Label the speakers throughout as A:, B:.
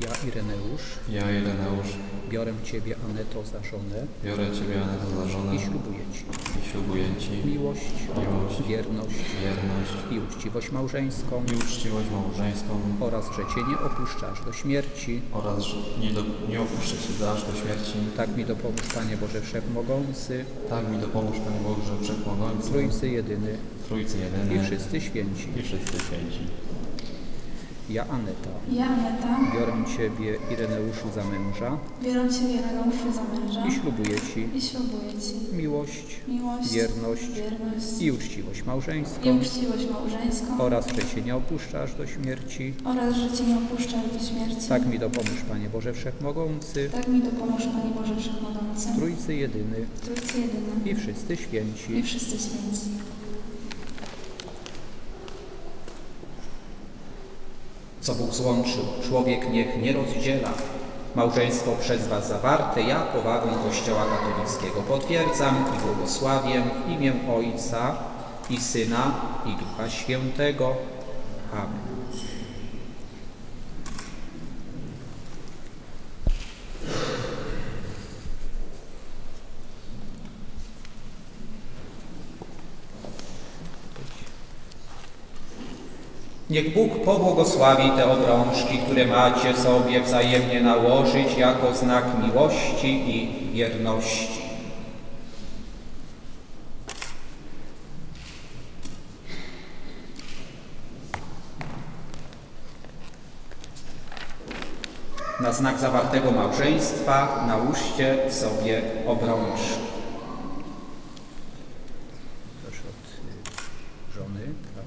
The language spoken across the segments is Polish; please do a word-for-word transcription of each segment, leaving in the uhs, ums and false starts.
A: Ja, Ireneusz,
B: Ja, Ireneusz,
A: biorę Ciebie, Aneto, za żonę
B: biorę Ciebie, Aneto, za żonę
A: i ślubuję Ci
B: i ślubuję Ci
A: miłość,
B: miłość,
A: wierność
B: wierność
A: i uczciwość małżeńską
B: i uczciwość małżeńską
A: oraz, że Cię nie opuszczę aż do śmierci.
B: oraz, że nie, do, nie opuszczę Cię aż do śmierci.
A: Tak mi dopomóż, Panie Boże Wszechmogący,
B: Tak mi dopomóż, Panie Boże Wszechmogący,
A: Trójcy Jedyny
B: Trójcy Jedyny
A: i wszyscy święci.
B: i wszyscy święci.
A: Ja, Aneta,
C: Ja, Aneta,
A: biorę Ciebie, Ireneuszu, za męża
C: biorę Ciebie, Ireneuszu, za męża
A: i ślubuję Ci
C: i ślubuję Ci
A: miłość,
C: miłość,
A: wierność
C: wierność
A: i uczciwość
C: i
A: małżeńską
C: uczciwość małżeńską
A: oraz, że Cię nie opuszczę aż do śmierci.
C: oraz, że Cię nie opuszczę aż do śmierci.
A: Tak mi dopomóż, Panie Boże Wszechmogący,
C: Tak mi dopomóż, Panie Boże Wszechmogący,
A: Trójcy Jedyny
C: Trójcy Jedyny
A: i wszyscy święci.
C: i wszyscy święci.
A: Co Bóg złączył, człowiek niech nie rozdziela. Małżeństwo przez Was zawarte, ja powagą Kościoła katolickiego potwierdzam i błogosławię w imię Ojca i Syna i Ducha Świętego. Amen. Niech Bóg pobłogosławi te obrączki, które macie sobie wzajemnie nałożyć jako znak miłości i wierności. Na znak zawartego małżeństwa nałóżcie sobie obrączki. Proszę od żony.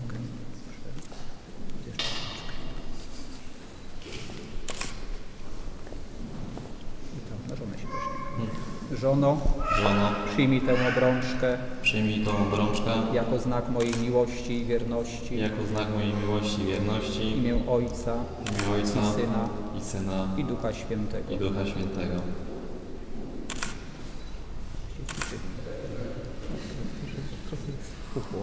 A: Na żonę się weźmie. Żono,
B: Żono,
A: przyjmij tę obrączkę
B: przyjmij tą obrączkę
A: jako znak mojej miłości i wierności
B: jako znak mojej miłości i
A: w
B: wierności
A: imię Ojca
B: w imię Ojca
A: i Syna
B: i Syna
A: i Ducha Świętego.
B: i Ducha Świętego.
A: Puchło.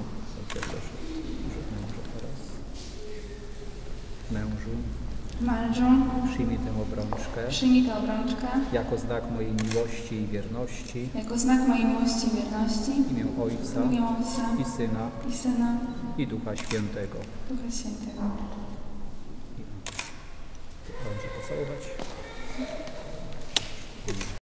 A: Mężu,
C: Mężu,
A: przyjmij tę obrączkę
C: przyjmij tę obrączkę
A: jako znak mojej miłości i wierności
C: jako znak mojej miłości i wierności
A: w imię Ojca
C: w imię Ojca
A: i Syna
C: i Syna
A: i Ducha Świętego.
C: Ducha Świętego.
A: Dobrze pocałować.